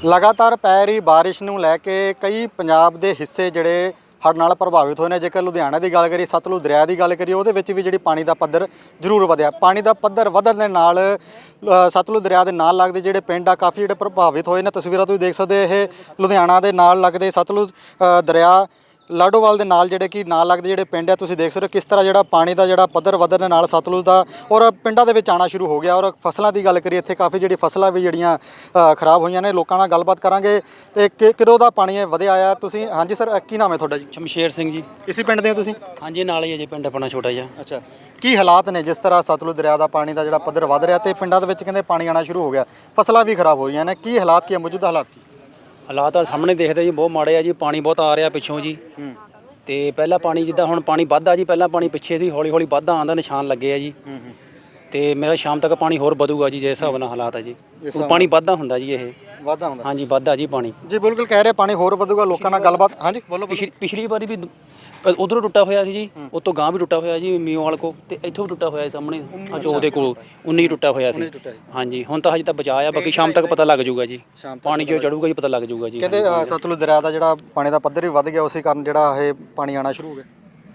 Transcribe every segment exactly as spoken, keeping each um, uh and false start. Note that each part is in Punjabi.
ਲਗਾਤਾਰ ਪੈ ਰਹੀ ਬਾਰਿਸ਼ ਨੂੰ ਲੈ ਕੇ ਕਈ ਪੰਜਾਬ ਦੇ ਹਿੱਸੇ ਜਿਹੜੇ ਹੜ੍ਹ ਨਾਲ ਪ੍ਰਭਾਵਿਤ ਹੋਏ ਨੇ। ਜੇਕਰ ਲੁਧਿਆਣਾ ਦੀ ਗੱਲ ਕਰੀਏ, ਸਤਲੁਜ ਦਰਿਆ ਦੀ ਗੱਲ ਕਰੀਏ, ਉਹਦੇ ਵਿੱਚ ਵੀ ਜਿਹੜੀ ਪਾਣੀ ਦਾ ਪੱਧਰ ਜ਼ਰੂਰ ਵਧਿਆ। ਪਾਣੀ ਦਾ ਪੱਧਰ ਵਧਣ ਦੇ ਨਾਲ ਸਤਲੁਜ ਦਰਿਆ ਦੇ ਨਾਲ ਲੱਗਦੇ ਜਿਹੜੇ ਪਿੰਡ ਆ ਕਾਫੀ ਜਿਹੜੇ ਪ੍ਰਭਾਵਿਤ ਹੋਏ ਨੇ। ਤਸਵੀਰਾਂ ਤੁਸੀਂ ਦੇਖ ਸਕਦੇ, ਇਹ ਲੁਧਿਆਣਾ ਦੇ ਨਾਲ ਲੱਗਦੇ ਸਤਲੁਜ ਦਰਿਆ ਲਾਡੋਵਾਲ ਦੇ ਨਾਲ ਜਿਹੜੇ ਕਿ ਨਾਲ ਲੱਗਦੇ ਜਿਹੜੇ ਪਿੰਡ ਆ, ਤੁਸੀਂ ਦੇਖ ਸਕਦੇ ਹੋ ਕਿਸ ਤਰ੍ਹਾਂ ਜਿਹੜਾ ਪਾਣੀ ਦਾ ਜਿਹੜਾ ਪੱਧਰ ਵਧਣ ਦੇ ਨਾਲ ਸਤਲੁਜ ਦਾ ਔਰ ਪਿੰਡਾਂ ਦੇ ਵਿੱਚ ਆਉਣਾ ਸ਼ੁਰੂ ਹੋ ਗਿਆ। ਔਰ ਫਸਲਾਂ ਦੀ ਗੱਲ ਕਰੀਏ, ਇੱਥੇ ਕਾਫੀ ਜਿਹੜੀ ਫਸਲਾਂ ਵੀ ਜਿਹੜੀਆਂ ਖਰਾਬ ਹੋਈਆਂ ਨੇ। ਲੋਕਾਂ ਨਾਲ ਗੱਲਬਾਤ ਕਰਾਂਗੇ ਤੇ ਕਿਦੋਂ ਦਾ ਪਾਣੀ ਵਧਿਆ ਆ। ਤੁਸੀਂ ਹਾਂਜੀ ਸਰ, ਕੀ ਨਾਮ ਹੈ ਤੁਹਾਡਾ ਜੀ? ਸ਼ਮਸ਼ੇਰ ਸਿੰਘ ਜੀ। ਇਸੇ ਪਿੰਡ ਦੇ ਹੋ ਤੁਸੀਂ? ਹਾਂਜੀ, ਨਾਲ ਹੀ ਹੈ ਜੀ ਪਿੰਡ ਆਪਣਾ ਛੋਟਾ ਜਿਹਾ। ਅੱਛਾ, ਕੀ ਹਾਲਾਤ ਨੇ ਜਿਸ ਤਰ੍ਹਾਂ ਸਤਲੁਜ ਦਰਿਆ ਦਾ ਪਾਣੀ ਦਾ ਜਿਹੜਾ ਪੱਧਰ ਵਧ ਰਿਹਾ ਤੇ ਪਿੰਡਾਂ ਦੇ ਵਿੱਚ ਕਹਿੰਦੇ ਪਾਣੀ ਆਉਣਾ ਸ਼ੁਰੂ ਹੋ ਗਿਆ, ਫਸਲਾਂ ਵੀ ਖਰਾਬ ਹੋ ਰਹੀਆਂ ਨੇ, ਕੀ ਹਾਲਾਤ ਕੀ ਹੈ, ਮੌਜੂਦਾ ਹਾਲਾਤ ਕੀ? ਹਾਲਾਤ ਸਾਹਮਣੇ ਦੇਖਦੇ ਜੀ, ਬਹੁਤ ਮਾੜੇ ਆ ਜੀ। ਪਾਣੀ ਬਹੁਤ ਆ ਰਿਹਾ ਪਿੱਛੋਂ ਜੀ। ਤੇ ਪਹਿਲਾਂ ਪਾਣੀ ਜਿੱਦਾਂ ਹੁਣ ਪਾਣੀ ਵੱਧਦਾ ਜੀ, ਪਹਿਲਾਂ ਪਾਣੀ ਪਿੱਛੇ ਸੀ, ਹੌਲੀ ਹੌਲੀ ਵੱਧਦਾ ਆਉਂਦਾ, ਨਿਸ਼ਾਨ ਲੱਗੇ ਆ ਜੀ। ਤੇ ਮੇਰਾ ਸ਼ਾਮ ਤੱਕ ਪਾਣੀ ਹੋਰ ਵਧੂਗਾ ਜੀ, ਜੇ ਹਿਸਾਬ ਨਾਲ ਹਾਲਾਤ ਆ ਜੀ। ਪਾਣੀ ਵੱਧਦਾ ਹੁੰਦਾ ਜੀ, ਇਹ ਵਾਧਾ ਹੁੰਦਾ? ਹਾਂਜੀ, ਵੱਧਦਾ ਜੀ ਪਾਣੀ ਜੀ, ਬਿਲਕੁਲ ਕਹਿ ਰਹੇ ਪਾਣੀ ਹੋਰ ਵਧੂਗਾ। ਲੋਕਾਂ ਨਾਲ ਗੱਲਬਾਤ, ਹਾਂਜੀ ਬੋਲੋ। ਪਿਛਲੀ ਪਿਛਲੀ ਵਾਰੀ ਵੀ ਉਧਰੋਂ ਟੁੱਟਾ ਹੋਇਆ ਸੀ ਜੀ, ਉਤੋਂ ਗਾਂ ਵੀ ਟੁੱਟਾ ਹੋਇਆ ਜੀ ਮੀਓ ਵਾਲ ਕੋ, ਤੇ ਇੱਥੋਂ ਵੀ ਟੁੱਟਾ ਹੋਇਆ ਸਾਹਮਣੇ ਅੱਜ ਉਹਦੇ ਕੋਲ ਉੱਨੀ ਟੁੱਟਾ ਹੋਇਆ ਸੀ। ਹਾਂਜੀ, ਹੁਣ ਤਾਂ ਹਜੇ ਤਾਂ ਬਚਾਅ ਆ, ਬਾਕੀ ਸ਼ਾਮ ਤੱਕ ਪਤਾ ਲੱਗ ਜਾਊਗਾ ਜੀ। ਪਾਣੀ ਜੋ ਚੜੂਗਾ ਜੀ ਪਤਾ ਲੱਗ ਜਾਊਗਾ ਜੀ। ਕਹਿੰਦੇ ਸਤਲੁਜ ਦਰਿਆ ਦਾ ਜਿਹੜਾ ਪਾਣੀ ਦਾ ਪੱਧਰ ਵੀ ਵੱਧ ਗਿਆ, ਉਸੇ ਕਾਰਨ ਜਿਹੜਾ ਇਹ ਪਾਣੀ ਆਉਣਾ ਸ਼ੁਰੂ ਹੋ ਗਿਆ।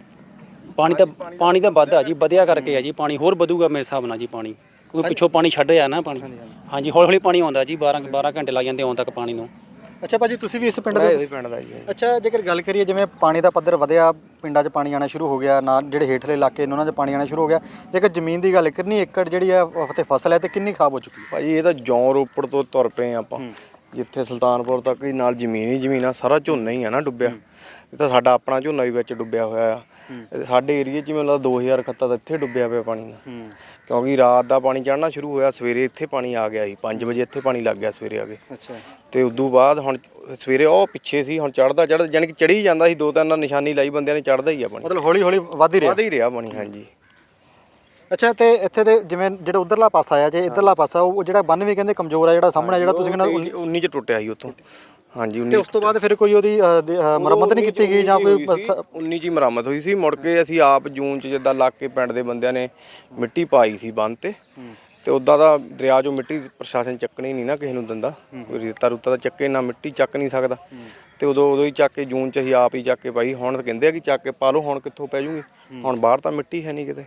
ਪਾਣੀ ਤਾਂ ਪਾਣੀ ਤਾਂ ਵੱਧਦਾ ਜੀ, ਵਧਿਆ ਕਰਕੇ ਆ ਜੀ। ਪਾਣੀ ਹੋਰ ਵਧੂਗਾ ਮੇਰੇ ਹਿਸਾਬ ਨਾਲ ਜੀ, ਪਾਣੀ ਕਿਉਂਕਿ ਪਿੱਛੋਂ ਪਾਣੀ ਛੱਡ ਰਿਹਾ ਨਾ ਪਾਣੀ। ਹਾਂਜੀ, ਹੌਲੀ ਹੌਲੀ ਪਾਣੀ ਆਉਂਦਾ ਜੀ, ਬਾਰਾਂ ਬਾਰਾਂ ਘੰਟੇ ਲੱਗ ਜਾਂਦੇ ਆਉਣ ਤੱਕ ਪਾਣੀ ਨੂੰ। ਅੱਛਾ ਭਾਜੀ, ਤੁਸੀਂ ਵੀ ਇਸ ਪਿੰਡ ਦੇ? ਇਸ ਪਿੰਡ ਦਾ ਜੀ। ਅੱਛਾ, ਜੇਕਰ ਗੱਲ ਕਰੀਏ ਜਿਵੇਂ ਪਾਣੀ ਦਾ ਪੱਧਰ ਵਧਿਆ, ਪਿੰਡਾਂ 'ਚ ਪਾਣੀ ਆਉਣਾ ਸ਼ੁਰੂ ਹੋ ਗਿਆ, ਨਾ ਜਿਹੜੇ ਹੇਠਲੇ ਇਲਾਕੇ ਨੇ ਉਹਨਾਂ 'ਚ ਪਾਣੀ ਆਉਣਾ ਸ਼ੁਰੂ ਹੋ ਗਿਆ, ਜੇਕਰ ਜ਼ਮੀਨ ਦੀ ਗੱਲ ਕਿੰਨੀ ਏਕੜ ਜਿਹੜੀ ਹੈ ਤੇ ਫਸਲ ਹੈ ਤੇ ਕਿੰਨੀ ਖਰਾਬ ਹੋ ਚੁੱਕੀ ਹੈ? ਭਾਜੀ ਇਹ ਤਾਂ ਜੌਂ ਰੋਪੜ ਤੋਂ ਤੁਰ ਪਏ ਆਪਾਂ, ਜਿੱਥੇ ਸੁਲਤਾਨਪੁਰ ਤੱਕ ਹੀ ਨਾਲ ਜ਼ਮੀਨ ਹੀ ਜ਼ਮੀਨ ਆ, ਸਾਰਾ ਝੋਨਾ ਹੀ ਆ ਨਾ ਡੁੱਬਿਆ। ਇਹ ਤਾਂ ਸਾਡਾ ਆਪਣਾ ਝੋਨਾ ਵੀ ਵਿੱਚ ਡੁੱਬਿਆ ਹੋਇਆ ਆ। ਸਾਡੇ ਏਰੀਏ 'ਚ ਮੈਨੂੰ ਲੱਗਦਾ ਦੋ ਹਜ਼ਾਰ ਖੱਤਾ ਤਾਂ ਇੱਥੇ ਡੁੱਬਿਆ ਪਿਆ ਪਾਣੀ ਦਾ, ਕਿਉਂਕਿ ਰਾਤ ਦਾ ਪਾਣੀ ਚੜ੍ਹਨਾ ਸ਼ੁਰੂ ਹੋਇਆ, ਸਵੇਰੇ ਇੱਥੇ ਪਾਣੀ ਆ ਗਿਆ ਸੀ। ਪੰਜ ਵਜੇ ਇੱਥੇ ਪਾਣੀ ਲੱਗ ਗਿਆ ਸਵੇਰੇ ਆ ਕੇ। ਅੱਛਾ, ਤੇ ਉਦੋਂ ਬਾਅਦ ਹੁਣ ਸਵੇਰੇ ਉਹ ਪਿੱਛੇ ਸੀ, ਹੁਣ ਚੜ੍ਹਦਾ ਚੜ੍ਹਦਾ ਜਾਣੀ ਕਿ ਚੜ੍ਹੀ ਜਾਂਦਾ ਸੀ। ਦੋ ਤਿੰਨ ਨਿਸ਼ਾਨੀ ਲਾਈ ਬੰਦਿਆਂ ਨੇ, ਚੜ੍ਹਦਾ ਹੀ ਆ ਪਾਣੀ, ਮਤਲਬ ਹੌਲੀ ਹੌਲੀ ਵੱਧ ਹੀ ਰਿਹਾ। ਵੱਧ ਹੀ ਰਿਹਾ ਪਾਣੀ, ਹਾਂਜੀ। ਅੱਛਾ, ਤੇ ਇੱਥੇ ਦੇ ਜਿਵੇਂ ਜਿਹੜਾ ਉਧਰਲਾ ਪਾਸਾ ਆ, ਜੇ ਇੱਧਰਲਾ ਪਾਸਾ ਉਹ ਜਿਹੜਾ ਬੰਨ ਵੀ ਕਹਿੰਦੇ ਕਮਜ਼ੋਰ ਆ, ਜਿਹੜਾ ਸਾਹਮਣੇ ਜਿਹੜਾ ਤੁਸੀਂ ਕਹਿੰਦੇ ਉੱਨੀ 'ਚ ਟੁੱਟਿਆ ਸੀ ਉੱਥੋਂ। ਹਾਂਜੀ, ਤੇ ਉਸ ਤੋਂ ਬਾਅਦ ਫਿਰ ਕੋਈ ਉਹਦੀ ਮੁਰੰਮਤ ਨਹੀਂ ਕੀਤੀ ਗਈ ਜਾਂ ਕੋਈ? ਉੱਨੀ 'ਚ ਹੀ ਮੁਰੰਮਤ ਹੋਈ ਸੀ। ਮੁੜ ਕੇ ਅਸੀਂ ਆਪ ਜੂਨ 'ਚ ਜਿੱਦਾਂ ਲੱਗ ਕੇ ਪਿੰਡ ਦੇ ਬੰਦਿਆਂ ਨੇ ਮਿੱਟੀ ਪਾਈ ਸੀ ਬੰਨ ਤੇ। ਤੇ ਉੱਦਾਂ ਦਾ ਦਰਿਆ 'ਚੋਂ ਮਿੱਟੀ ਪ੍ਰਸ਼ਾਸਨ ਚੱਕਣੀ ਨਹੀਂ ਨਾ ਕਿਸੇ ਨੂੰ ਦਿੰਦਾ, ਕੋਈ ਰੇਤਾ ਰੁੱਤਾ ਦਾ ਚੱਕੇ ਨਾ, ਮਿੱਟੀ ਚੱਕ ਨਹੀਂ ਸਕਦਾ। ਤੇ ਉਦੋਂ ਉਦੋਂ ਹੀ ਚੱਕ ਕੇ ਜੂਨ 'ਚ ਅਸੀਂ ਆਪ ਹੀ ਚੱਕ ਕੇ ਪਾਈ। ਹੁਣ ਕਹਿੰਦੇ ਆ ਕਿ ਚੱਕ ਕੇ ਪਾ ਲਓ, ਹੁਣ ਕਿੱਥੋਂ ਪੈ ਜੂਗੀ, ਹੁਣ ਬਾਹਰ ਤਾਂ ਮਿੱਟੀ ਹੈ ਨਹੀਂ ਕਿਤੇ।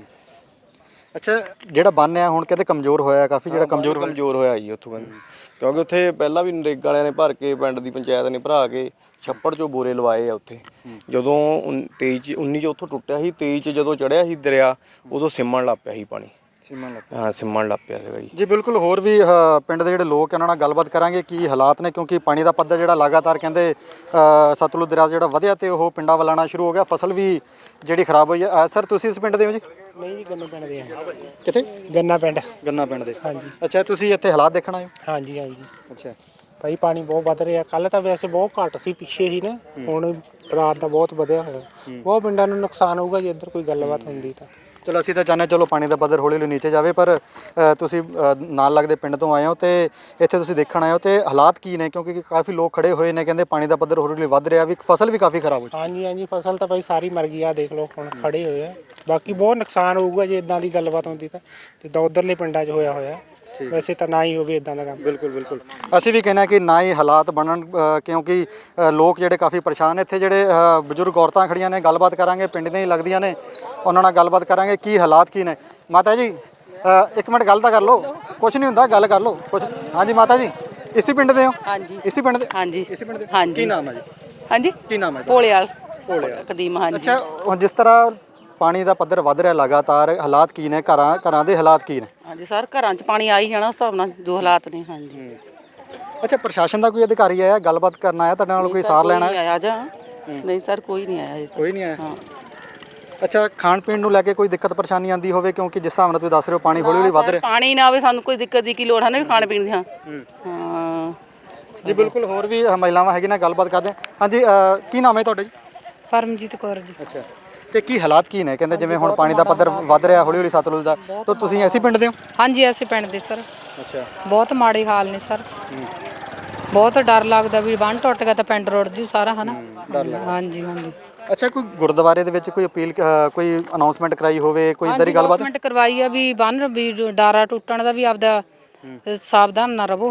ਅੱਛਾ, ਜਿਹੜਾ ਬੰਨ ਆ ਹੁਣ ਕਹਿੰਦੇ ਕਮਜ਼ੋਰ ਹੋਇਆ ਕਾਫੀ, ਜਿਹੜਾ ਕਮਜ਼ੋਰ ਕਮਜ਼ੋਰ ਹੋਇਆ ਜੀ ਉੱਥੋਂ ਕਹਿੰਦੇ, ਕਿਉਂਕਿ ਉੱਥੇ ਪਹਿਲਾਂ ਵੀ ਨਰੇਗਾ ਵਾਲਿਆਂ ਨੇ ਭਰ ਕੇ, ਪਿੰਡ ਦੀ ਪੰਚਾਇਤ ਨੇ ਭਰਾ ਕੇ ਛੱਪੜ 'ਚੋਂ ਬੋਰੇ ਲਵਾਏ ਆ ਉੱਥੇ। ਜਦੋਂ ਤੇਈ 'ਚ ਉੱਨੀ 'ਚ ਉੱਥੋਂ ਟੁੱਟਿਆ ਸੀ, ਤੇਈ 'ਚ ਜਦੋਂ ਚੜ੍ਹਿਆ ਸੀ ਦਰਿਆ, ਉਦੋਂ ਸਿੰਮਣ ਲੱਗ ਪਿਆ ਸੀ ਪਾਣੀ। ਸਿੰਮਣ ਲੱਗ ਪਿਆ? ਹਾਂ, ਸਿੰਮਣ ਲੱਗ ਪਿਆ ਸੀਗਾ ਜੀ। ਜੀ ਬਿਲਕੁਲ, ਹੋਰ ਵੀ ਪਿੰਡ ਦੇ ਜਿਹੜੇ ਲੋਕ ਉਹਨਾਂ ਨਾਲ ਗੱਲਬਾਤ ਕਰਾਂਗੇ ਕੀ ਹਾਲਾਤ ਨੇ, ਕਿਉਂਕਿ ਪਾਣੀ ਦਾ ਪੱਧਰ ਜਿਹੜਾ ਲਗਾਤਾਰ ਕਹਿੰਦੇ ਸਤਲੁਜ ਦਰਿਆ ਜਿਹੜਾ ਵਧਿਆ ਤੇ ਉਹ ਪਿੰਡਾਂ ਵੱਲ ਆਉਣਾ ਸ਼ੁਰੂ ਹੋ ਗਿਆ, ਫਸਲ ਵੀ ਜਿਹੜੀ ਖਰਾਬ ਹੋਈ ਹੈ। ਸਰ, ਤੁਸੀਂ ਇਸ ਪਿੰਡ ਦੇ ਹੋ ਜੀ? ਨਹੀਂ ਜੀ, ਗੰਨਾ ਪਿੰਡ ਦੇ ਆ। ਕਿੱਥੇ? ਗੰਨਾ ਪਿੰਡ। ਗੰਨਾ ਪਿੰਡ ਦੇ, ਹਾਂਜੀ। ਅੱਛਾ, ਤੁਸੀਂ ਇੱਥੇ ਹਾਲਾਤ ਦੇਖਣ ਆਏ ਹੋ? ਹਾਂਜੀ ਹਾਂਜੀ। ਅੱਛਾ ਭਾਈ, ਪਾਣੀ ਬਹੁਤ ਵੱਧ ਰਿਹਾ। ਕੱਲ ਤਾਂ ਵੈਸੇ ਬਹੁਤ ਘੱਟ ਸੀ, ਪਿੱਛੇ ਹੀ ਨਾ, ਹੁਣ ਰਾਤ ਦਾ ਬਹੁਤ ਵਧਿਆ ਹੋਇਆ। ਬਹੁਤ ਪਿੰਡਾਂ ਨੂੰ ਨੁਕਸਾਨ ਹੋਊਗਾ ਜੇ ਇੱਧਰ ਕੋਈ ਗੱਲਬਾਤ ਹੁੰਦੀ ਤਾਂ। ਚਲੋ, ਅਸੀਂ ਤਾਂ ਚਾਹੁੰਦੇ ਚਲੋ ਪਾਣੀ ਦਾ ਪੱਧਰ ਹੌਲੀ ਹੌਲੀ ਨੀਚੇ ਜਾਵੇ, ਪਰ ਤੁਸੀਂ ਨਾਲ ਲੱਗਦੇ ਪਿੰਡ ਤੋਂ ਆਏ ਹੋ ਤੇ ਇੱਥੇ ਤੁਸੀਂ ਦੇਖਣ ਆਏ ਹੋ ਤੇ ਹਾਲਾਤ ਕੀ ਨੇ? ਕਿਉਂਕਿ ਕਾਫੀ ਲੋਕ ਖੜੇ ਹੋਏ ਨੇ, ਕਹਿੰਦੇ ਪਾਣੀ ਦਾ ਪੱਧਰ ਹੌਲੀ ਹੌਲੀ ਵੱਧ ਰਿਹਾ, ਵੀ ਫਸਲ ਵੀ ਕਾਫੀ ਖਰਾਬ ਹੋ ਚੁੱਕੀ। ਹਾਂਜੀ ਹਾਂਜੀ, ਫਸਲ ਤਾਂ ਭਾਈ ਸਾਰੀ ਮਰ ਗਈ ਆ, ਦੇਖ ਲਓ ਹੁਣ ਖੜੇ ਹੋਏ ਆ। ਬਾਕੀ ਬਹੁਤ ਨੁਕਸਾਨ ਹੋਊਗਾ ਜੇ ਇਦਾਂ ਦੀ ਗੱਲਬਾਤ ਹੁੰਦੀ ਤਾਂ, ਜਿੱਦਾਂ ਉੱਧਰਲੇ ਪਿੰਡਾਂ 'ਚ ਹੋਇਆ ਹੋਇਆ। ਵੈਸੇ ਤਾਂ ਨਾ ਹੀ ਹੋਵੇ ਇਦਾਂ ਦਾ ਕੰਮ। ਬਿਲਕੁਲ ਬਿਲਕੁਲ, ਅਸੀਂ ਵੀ ਕਹਿੰਦੇ ਕਿ ਨਾ ਹੀ ਹਾਲਾਤ ਬਣਨ, ਕਿਉਂਕਿ ਲੋਕ ਜਿਹੜੇ ਕਾਫੀ ਪਰੇਸ਼ਾਨ ਨੇ। ਇੱਥੇ ਜਿਹੜੇ ਬਜ਼ੁਰਗ ਔਰਤਾਂ ਖੜੀਆਂ ਨੇ, ਗੱਲਬਾਤ ਕਰਾਂਗੇ, ਪਿੰਡ ਦੀਆਂ ਹੀ ਲੱਗਦੀਆਂ ਨੇ, ਉਹਨਾਂ ਨਾਲ ਗੱਲਬਾਤ ਕਰਾਂਗੇ ਕੀ ਹਾਲਾਤ ਕੀ ਨੇ। ਮਾਤਾ ਜੀ, ਇੱਕ ਮਿੰਟ ਗੱਲ ਤਾਂ ਕਰ ਲਓ, ਕੁਛ ਨਹੀਂ ਹੁੰਦਾ, ਗੱਲ ਕਰ ਲਓ ਕੁਛ। ਹਾਂਜੀ ਮਾਤਾ ਜੀ, ਇਸੇ ਪਿੰਡ ਦੇ ਹੋ? ਹਾਂਜੀ, ਇਸੇ ਪਿੰਡ ਦੇ? ਹਾਂਜੀ, ਇਸੇ ਪਿੰਡ ਦੇ। ਹਾਂਜੀ। ਕੀ ਨਾਮ ਹੈ ਜੀ? ਹਾਂਜੀ, ਕੀ ਨਾਮ ਹੈ? ਭੋਲੇਵਾਲ। ਭੋਲੇਵਾਲ ਕਦੀਮ, ਹਾਂਜੀ। ਅੱਛਾ, ਹੁਣ ਜਿਸ ਤਰ੍ਹਾਂ ਪਾਣੀ ਦਾ ਪੱਧਰ ਵੱਧ ਰਿਹਾ ਲਗਾਤਾਰ, ਹਾਲਾਤ ਕੀ ਨੇ ਘਰਾਂ ਘਰਾਂ ਦੇ ਹਾਲਾਤ ਕੀ ਨੇ? ਹਾਂਜੀ ਸਰ, ਘਰਾਂ 'ਚ ਪਾਣੀ ਆ ਹੀ ਜਾਣਾ ਉਸ ਹਿਸਾਬ ਨਾਲ ਜੋ ਹਾਲਾਤ ਨੇ। ਹਾਂਜੀ। ਅੱਛਾ, ਪ੍ਰਸ਼ਾਸਨ ਦਾ ਕੋਈ ਅਧਿਕਾਰੀ ਆਇਆ ਗੱਲਬਾਤ ਕਰਨ ਆਇਆ ਤੁਹਾਡੇ ਨਾਲ, ਕੋਈ ਸਾਰ ਲੈਣਾ? ਨਹੀਂ ਆਇਆ ਜਾਂ ਨਹੀਂ ਸਰ, ਕੋਈ ਨਹੀਂ ਆਇਆ ਜੀ। ਕੋਈ ਨਹੀਂ ਆਇਆ? ਹਾਂ। ਅੱਛਾ, ਖਾਣ ਪੀਣ ਨੂੰ ਲੈ ਕੇ ਕੋਈ ਦਿੱਕਤ ਪਰੇਸ਼ਾਨੀ ਆਉਂਦੀ ਹੋਵੇ, ਕਿਉਂਕਿ ਜਿਸ ਹਿਸਾਬ ਨਾਲ ਤੁਸੀਂ ਦੱਸ ਰਹੇ ਹੋ ਪਾਣੀ ਹੌਲੀ ਹੌਲੀ ਵੱਧ ਰਿਹਾ। ਪਾਣੀ ਨਾ ਆਵੇ, ਸਾਨੂੰ ਕੋਈ ਦਿੱਕਤ ਦੀ ਕੀ ਲੋੜ ਹੈ ਨਾ, ਵੀ ਖਾਣ ਪੀਣ ਦੀ। ਹਾਂ ਹਾਂ ਜੀ ਬਿਲਕੁਲ, ਹੋਰ ਵੀ ਮਹਿਲਾਵਾਂ ਹੈਗੀ ਨਾ, ਗੱਲਬਾਤ ਕਰਦੇ ਹਾਂ। ਹਾਂਜੀ, ਕੀ ਨਾਮ ਹੈ ਤੁਹਾਡਾ ਜੀ? ਪਰਮਜੀਤ ਕੌਰ ਜੀ। ਅੱਛਾ, ਤੇ ਕੀ ਹਾਲਾਤ ਕੀ ਨੇ? ਕਹਿੰਦੇ ਜਿਵੇਂ ਹੁਣ ਪਾਣੀ ਦਾ ਪੱਧਰ ਵੱਧ ਰਿਹਾ ਹੌਲੀ ਹੌਲੀ ਸਤਲੁਜ ਦਾ, ਤਾਂ ਤੁਸੀਂ ਐਸੀ ਪਿੰਡ ਦੇ ਹੋ? ਹਾਂਜੀ, ਅਸੀਂ ਪਿੰਡ ਦੇ ਸਰ। ਅੱਛਾ, ਬਹੁਤ ਮਾੜੇ ਹਾਲ ਨੇ ਸਰ। ਬਹੁਤ ਡਰ ਲੱਗਦਾ ਵੀ ਬੰਨ ਟੁੱਟ ਗਿਆ ਤਾਂ ਪਿੰਡ ਰੁੜ ਜੂ ਸਾਰਾ, ਹਨਾ? ਹਾਂਜੀ ਹਾਂਜੀ। ਅੱਛਾ, ਕੋਈ ਗੁਰਦੁਆਰੇ ਦੇ ਵਿੱਚ ਕੋਈ ਅਪੀਲ, ਕੋਈ ਅਨਾਉਂਸਮੈਂਟ ਕਰਾਈ ਹੋਵੇ, ਕੋਈ ਇਦਾਂ ਦੀ ਗੱਲਬਾਤ? ਅਨਾਉਂਸਮੈਂਟ ਕਰਵਾਈ ਆ ਵੀ ਬੰਨ ਵੀ ਡਾਰਾ ਟੁੱਟਣ ਦਾ ਵੀ ਆਪਦਾ ਸਾਵਧਾਨ ਨਾ ਰਹੋ, ਹਨਾ?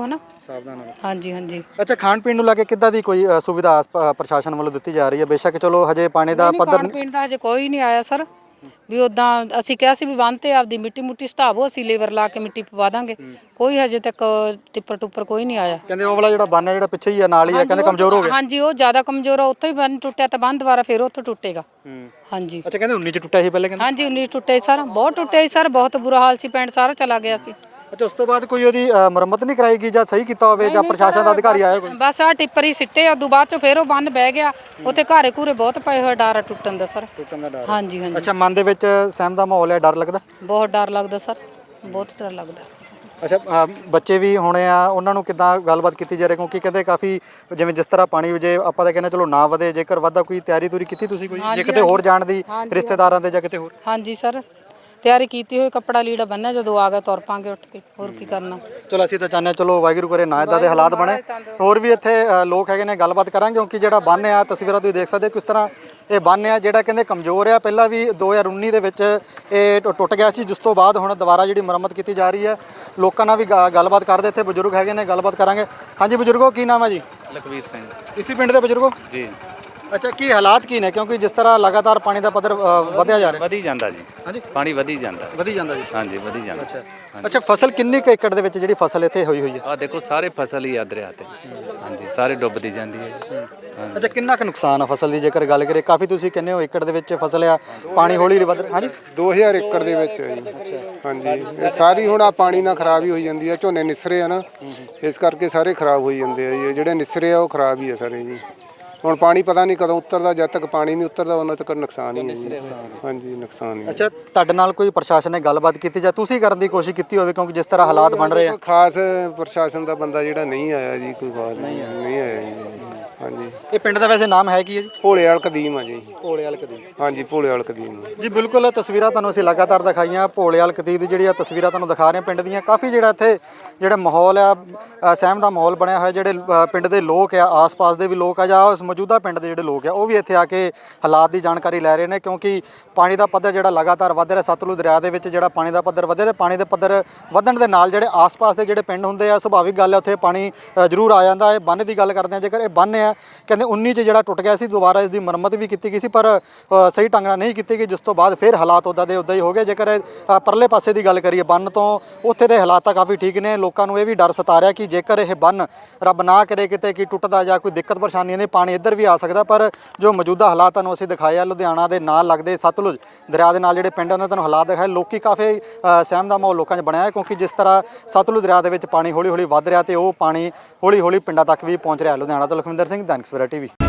ਸਾਵਧਾਨ ਨਾਲ। ਹਾਂਜੀ ਹਾਂਜੀ ਅੱਛਾ, ਖਾਣ ਪੀਣ ਨੂੰ ਲੈ ਕੇ ਕਿੱਦਾਂ ਦੀ ਕੋਈ ਅ, ਸੁਵਿਧਾ ਆਸ- ਪ- ਪ੍ਰਸ਼ਾਸਨ ਵੱਲੋਂ ਦਿੱਤੀ ਜਾ ਰਹੀ ਹੈ? ਬੇਸ਼ੱਕ ਚਲੋ ਹਜੇ ਪਾਣੀ ਦਾ ਨਹੀਂ, ਪੱਧਰ ਖਾਣ ਪੀਣ ਦਾ ਹਜੇ ਕੋਈ ਨਹੀਂ ਆਇਆ ਸਰ। ਵੀ ਉਦਾਂ ਅਸੀਂ ਕਿਹਾ ਸੀ ਵੀ ਬੰਨ੍ਹ ਤੇ ਆਪਦੀ ਮਿੱਟੀ ਮੁੱਟੀ ਸਟਾਵੋ, ਅਸੀਂ ਲੇਬਰ ਲਾ ਕੇ ਮਿੱਟੀ ਪਵਾ ਦਾਂਗੇ। ਕੋਈ ਹਜੇ ਤੱਕ ਟਿੱਪਰ ਟੁੱਪਰ ਕੋਈ ਨਹੀਂ ਆਇਆ। ਕਹਿੰਦੇ ਉਹ ਵਾਲਾ ਜਿਹੜਾ ਬੰਨ ਹੈ ਜਿਹੜਾ ਪਿੱਛੇ ਹੀ ਆ ਨਾਲ ਹੀ ਹੈ, ਕਹਿੰਦੇ ਕਮਜ਼ੋਰ ਹੋ ਗਿਆ। ਹਾਂਜੀ, ਉਹ ਜ਼ਿਆਦਾ ਕਮਜ਼ੋਰ ਆ, ਉੱਥੋਂ ਹੀ ਬੰਨ ਟੁੱਟਿਆ ਤਾਂ ਬੰਨ ਦੁਬਾਰਾ ਫਿਰ ਉੱਥੋਂ ਟੁੱਟੇਗਾ। ਹਾਂਜੀ ਅੱਛਾ, ਕਹਿੰਦੇ ਉੱਨੀ ਚ ਟੁੱਟਿਆ ਸੀ ਪਹਿਲੇ ਕਹਿੰਦੇ। ਹਾਂਜੀ ਉੱਨੀ ਟੁੱਟੇ ਸਰ, ਬਹੁਤ ਟੁੱਟੇ ਸਰ, ਬਹੁਤ ਬੁਰਾ ਹਾਲ ਸੀ, ਪਿੰਡ ਸਾਰਾ ਚਲਾ ਗਿਆ ਸੀ। ਅੱਛਾ, ਉਸ ਤੋਂ ਬਾਅਦ ਕੋਈ ਉਹਦੀ ਅ, ਮੁਰੰਮਤ ਨਹੀਂ ਕਰਾਈ ਗਈ ਜਾਂ ਸਹੀ ਕੀਤਾ ਹੋਵੇ ਜਾਂ ਪ੍ਰਸ਼ਾਸਨ ਦਾ ਅਧਿਕਾਰੀ ਆਇਆ ਕੋਈ? ਬਸ ਆ ਟਿੱਪਰ ਹੀ ਸਿੱਟੇ, ਉਦੋਂ ਬਾਅਦ ਚ ਫਿਰ ਉਹ ਬੰਨ ਬਹਿ ਗਿਆ। ਉੱਥੇ ਘਾਰੇ ਘੂਰੇ ਬਹੁਤ ਪਏ ਹੋਏ, ਡਰ ਆ ਟੁੱਟਣ ਦਾ ਸਰ। ਟੁੱਟਣ ਦਾ ਡਰ। ਹਾਂਜੀ ਹਾਂਜੀ ਅੱਛਾ, ਮਨ ਦੇ ਵਿੱਚ ਸਹਿਮ ਦਾ ਮਾਹੌਲ ਹੈ, ਡਰ ਲੱਗਦਾ? ਬਹੁਤ ਡਰ ਲੱਗਦਾ ਸਰ, ਬਹੁਤ ਡਰ ਲੱਗਦਾ। ਅੱਛਾ, ਅ, ਬੱਚੇ ਵੀ ਹੋਣੇ ਆ, ਉਹਨਾਂ ਨੂੰ ਕਿੱਦਾਂ ਗੱਲਬਾਤ ਕੀਤੀ ਜਾ ਰਹੀ? ਕਿਉਂਕਿ ਕਹਿੰਦੇ ਕਾਫੀ ਜਿਵੇਂ ਜਿਸ ਤਰ੍ਹਾਂ ਪਾਣੀ ਜੇ ਆਪਾਂ ਤਾਂ ਕਹਿੰਦੇ ਚਲੋ ਨਾ ਵਧੇ, ਜੇਕਰ ਵਧਦਾ ਕੋਈ ਤਿਆਰੀ ਤੁਰੀ ਕੀਤੀ ਤੁਸੀਂ ਕੋਈ ਜੇ ਕਿਤੇ ਹੋਰ ਜਾਣ ਦੀ ਰਿਸ਼ਤੇਦਾਰਾਂ ਦੇ ਜਾਂ ਕਿਤੇ ਹੋਰ? ਹਾਂਜੀ ਸਰ, ਤਿਆਰੀ ਕੀਤੀ ਹੋਈ, ਕੱਪੜਾ ਲੀੜਾ ਬੰਨਿਆ, ਜਦੋਂ ਆ ਗਿਆ ਤੁਰ ਪਾਂਗੇ ਉੱਠ ਕੇ, ਹੋਰ ਕੀ ਕਰਨਾ। ਚਲੋ ਅਸੀਂ ਤਾਂ ਚਾਹੁੰਦੇ ਹਾਂ ਚਲੋ ਵਾਹਿਗੁਰੂ ਕਰੇ ਨਾ ਇਦਾਂ ਦੇ ਹਾਲਾਤ ਬਣੇ। ਹੋਰ ਵੀ ਇੱਥੇ ਅ, ਲੋਕ ਹੈਗੇ ਨੇ, ਗੱਲਬਾਤ ਕਰਾਂਗੇ। ਕਿਉਂਕਿ ਜਿਹੜਾ ਬੰਨ੍ਹ ਆ, ਤਸਵੀਰਾਂ ਤੁਸੀਂ ਦੇਖ ਸਕਦੇ ਹੋ ਕਿਸ ਤਰ੍ਹਾਂ ਇਹ ਬੰਨ੍ਹ ਆ, ਜਿਹੜਾ ਕਹਿੰਦੇ ਕਮਜ਼ੋਰ ਆ। ਪਹਿਲਾਂ ਵੀ ਦੋ ਹਜ਼ਾਰ ਉੱਨੀ ਦੇ ਵਿੱਚ ਇਹ ਟੁ- ਟੁੱਟ ਗਿਆ ਸੀ, ਜਿਸ ਤੋਂ ਬਾਅਦ ਹੁਣ ਦੁਬਾਰਾ ਜਿਹੜੀ ਮੁਰੰਮਤ ਕੀਤੀ ਜਾ ਰਹੀ ਹੈ। ਲੋਕਾਂ ਨਾਲ ਵੀ ਗਾ- ਗੱਲਬਾਤ ਕਰਦੇ, ਇੱਥੇ ਬਜ਼ੁਰਗ ਹੈਗੇ ਨੇ, ਗੱਲਬਾਤ ਕਰਾਂਗੇ। ਹਾਂਜੀ ਬਜ਼ੁਰਗੋ, ਕੀ ਨਾਮ ਹੈ ਜੀ? ਲਖਵੀਰ ਸਿੰਘ ਇਸੇ ਪਿੰਡ ਦੇ ਬਜ਼ੁਰਗੋ? ਜੀ। ਅੱਛਾ, ਕੀ ਹਾਲਾਤ ਕੀ ਨੇ? ਕਿਉਂਕਿ ਜਿਸ ਤਰ੍ਹਾਂ ਲਗਾਤਾਰ ਪਾਣੀ ਦਾ ਪੱਧਰ ਅ, ਵਧਿਆ ਜਾ ਰਿਹਾ। ਵਧੀ ਜਾਂਦਾ ਜੀ, ਹਾਂਜੀ, ਪਾਣੀ ਵਧੀ ਜਾਂਦਾ। ਵਧੀ ਜਾਂਦਾ ਜੀ। ਹਾਂਜੀ ਵਧੀ ਜਾਂਦਾ। ਅੱਛਾ ਅੱਛਾ, ਫਸਲ ਕਿੰਨੀ ਕੁ ਏਕੜ ਦੇ ਵਿੱਚ ਜਿਹੜੀ ਫਸਲ ਇੱਥੇ ਹੋਈ ਹੋਈ ਹੈ? ਆ ਦੇਖੋ ਸਾਰੇ ਫਸਲ ਹੀ ਆ ਦਰਿਆ ਤੇ। ਹਾਂਜੀ ਸਾਰੇ ਡੁੱਬਦੀ ਜਾਂਦੀ ਹੈ ਜੀ। ਅੱਛਾ, ਕਿੰਨਾ ਕੁ ਨੁਕਸਾਨ ਆ ਫਸਲ ਦੀ ਜੇਕਰ ਗੱਲ ਕਰੀਏ? ਕਾਫੀ ਤੁਸੀਂ ਕਹਿੰਦੇ ਹੋ ਏਕੜ ਦੇ ਵਿੱਚ ਫਸਲ ਆ, ਪਾਣੀ ਹੌਲੀ ਹੌਲੀ ਵੱਧ ਰਿਹਾ। ਹਾਂਜੀ, ਦੋ ਹਜ਼ਾਰ ਏਕੜ ਦੇ ਵਿੱਚ ਹੈ ਜੀ। ਹਾਂਜੀ, ਇਹ ਸਾਰੀ ਹੁਣ ਆ ਪਾਣੀ ਨਾਲ ਖਰਾਬ ਹੀ ਹੋਈ ਜਾਂਦੀ ਹੈ। ਝੋਨੇ ਨਿਸਰੇ ਆ ਨਾ, ਇਸ ਕਰਕੇ ਸਾਰੇ ਖਰਾਬ ਹੋਈ ਜਾਂਦੇ ਆ ਜੀ। ਇਹ ਜਿਹੜੇ ਨਿਸਰੇ ਆ ਉਹ ਖਰਾਬ ਹੀ ਆ ਸਾਰੇ ਜੀ। ਹੁਣ ਪਾਣੀ ਪਤਾ ਨਹੀਂ ਕਦੋਂ ਉਤਰਦਾ, ਜਦ ਤੱਕ ਪਾਣੀ ਨਹੀਂ ਉਤਰਦਾ ਉਹਨਾਂ ਤੱਕ ਨੁਕਸਾਨ ਹੀ ਹੈ ਜੀ। ਹਾਂਜੀ, ਨੁਕਸਾਨ ਹੀ। ਅੱਛਾ, ਤੁਹਾਡੇ ਨਾਲ ਕੋਈ ਪ੍ਰਸ਼ਾਸਨ ਨੇ ਗੱਲਬਾਤ ਕੀਤੀ ਜਾਂ ਤੁਸੀਂ ਕਰਨ ਦੀ ਕੋਸ਼ਿਸ਼ ਕੀਤੀ ਹੋਵੇ? ਕਿਉਂਕਿ ਜਿਸ ਤਰ੍ਹਾਂ ਹਾਲਾਤ ਬਣ ਰਹੇ ਆ। ਕੋਈ ਖਾਸ ਪ੍ਰਸ਼ਾਸਨ ਦਾ ਬੰਦਾ ਜਿਹੜਾ ਨਹੀਂ ਆਇਆ ਜੀ, ਕੋਈ ਖਾਸ ਨਹੀਂ ਆਇਆ ਜੀ। ਹਾਂਜੀ, ਇਹ ਪਿੰਡ ਦਾ ਵੈਸੇ ਨਾਮ ਹੈ ਕੀ ਹੈ ਜੀ? ਭੋਲੇ ਵਾਲ ਕਦੀਮ ਆ ਜੀ। ਭੋਲੇ ਵਾਲ ਕਦੀਮ। ਹਾਂਜੀ, ਭੋਲੇ ਵਾਲ ਕਦੀਮ। ਜੀ ਬਿਲਕੁਲ, ਤਸਵੀਰਾਂ ਤੁਹਾਨੂੰ ਅਸੀਂ ਲਗਾਤਾਰ ਦਿਖਾਈਆਂ। ਭੋਲੇ ਵਾਲ ਕਦੀਮ ਦੀ ਜਿਹੜੀਆਂ ਤਸਵੀਰਾਂ ਤੁਹਾਨੂੰ ਦਿਖਾ ਰਹੇ ਹਾਂ ਪਿੰਡ ਦੀਆਂ। ਕਾਫੀ ਜਿਹੜਾ ਇੱਥੇ ਜਿਹੜਾ ਮਾਹੌਲ ਆ, ਅ, ਸਹਿਮ ਦਾ ਮਾਹੌਲ ਬਣਿਆ ਹੋਇਆ। ਜਿਹੜੇ ਅ, ਪਿੰਡ ਦੇ ਲੋਕ ਆ, ਆਸ-ਪਾਸ ਦੇ ਵੀ ਲੋਕ ਆ ਜਾਂ ਉਸ ਮੌਜੂਦਾ ਪਿੰਡ ਦੇ ਜਿਹੜੇ ਲੋਕ ਆ, ਉਹ ਵੀ ਇੱਥੇ ਆ ਕੇ ਹਾਲਾਤ ਦੀ ਜਾਣਕਾਰੀ ਲੈ ਰਹੇ ਨੇ। ਕਿਉਂਕਿ ਪਾਣੀ ਦਾ ਪੱਧਰ ਜਿਹੜਾ ਲਗਾਤਾਰ ਵੱਧ ਰਿਹਾ, ਸਤਲੁਜ ਦਰਿਆ ਦੇ ਵਿੱਚ ਜਿਹੜਾ ਪਾਣੀ ਦਾ ਪੱਧਰ ਵਧਿਆ, ਤੇ ਪਾਣੀ ਦੇ ਪੱਧਰ ਵਧਣ ਦੇ ਨਾਲ ਜਿਹੜੇ ਆਸ-ਪਾਸ ਦੇ ਜਿਹੜੇ ਪਿੰਡ ਹੁੰਦੇ ਆ, ਸੁਭਾਵਿਕ ਗੱਲ ਹੈ ਉੱਥੇ ਪਾਣੀ ਅ, ਜ਼ਰੂਰ ਆ ਜਾਂਦਾ ਹੈ। ਬੰਨ੍ਹ ਦੀ ਗੱਲ ਕਰਦੇ ਆ, ਜੇਕਰ ਇਹ ਬੰਨ੍ਹ ਆ, ਕਹਿੰਦੇ ਉੱਨੀ ਚ ਜਿਹੜਾ ਟੁੱਟ ਗਿਆ ਸੀ, ਦੁਬਾਰਾ ਇਸ ਦੀ ਮੁਰੰਮਤ ਵੀ ਕੀਤੀ ਗਈ ਸੀ, ਪਰ ਅ, ਸਹੀ ਢੰਗ ਨਾਲ ਨਹੀਂ ਕੀਤੀ ਗਈ, ਜਿਸ ਤੋਂ ਬਾਅਦ ਫਿਰ ਹਾਲਾਤ ਉੱਦਾਂ ਦੇ ਉੱਦਾਂ ਹੀ ਹੋ ਗਏ। ਜੇਕਰ ਅ, ਪਰਲੇ ਪਾਸੇ ਦੀ ਗੱਲ ਕਰੀਏ ਬੰਨ੍ਹ ਤੋਂ, ਉੱਥੇ ਦੇ ਹਾਲਾਤ ਤਾਂ ਕਾਫੀ ਠੀਕ ਨੇ। ਲੋਕਾਂ ਨੂੰ ਇਹ ਵੀ ਡਰ ਸਤਾ ਰਿਹਾ ਕਿ ਜੇਕਰ ਇਹ ਬੰਨ੍ਹ ਰੱਬ ਨਾ ਕਰੇ ਕਿਤੇ ਕਿ ਟੁੱਟਦਾ ਜਾਂ ਕੋਈ ਦਿੱਕਤ ਪਰੇਸ਼ਾਨੀ ਨੇ, ਪਾਣੀ ਇੱਧਰ ਵੀ ਆ ਸਕਦਾ। ਪਰ ਜੋ ਮੌਜੂਦਾ ਹਾਲਾਤ ਤੁਹਾਨੂੰ ਅਸੀਂ ਦਿਖਾਏ ਆ, ਲੁਧਿਆਣਾ ਦੇ ਨਾਲ ਲੱਗਦੇ ਸਤਲੁਜ ਦਰਿਆ ਦੇ ਨਾਲ ਜਿਹੜੇ ਪਿੰਡ ਉਹਨਾਂ ਤੁਹਾਨੂੰ ਹਾਲਾਤ ਦਿਖਾਏ, ਲੋਕੀ ਕਾਫੀ ਅ, ਸਹਿਮ ਦਾ ਮਾਹੌਲ ਲੋਕਾਂ 'ਚ ਬਣਿਆ ਹੈ। ਕਿਉਂਕਿ ਜਿਸ ਤਰ੍ਹਾਂ ਸਤਲੁਜ ਦਰਿਆ ਦੇ ਵਿੱਚ ਪਾਣੀ ਹੌਲੀ ਹੌਲੀ ਵੱਧ ਰਿਹਾ, ਤੇ ਉਹ ਪਾਣੀ ਹੌਲੀ ਹੌਲੀ ਪਿੰਡਾਂ ਤੱਕ ਵੀ ਪਹੁੰਚ ਰਿਹਾ। ਲੁਧਿਆਣਾ ਤੋਂ ਲਖਵਿੰਦਰ ਸਿੰਘ, ਦੈਨਿਕ ਸਵੇਰਾ ਟੀਵੀ।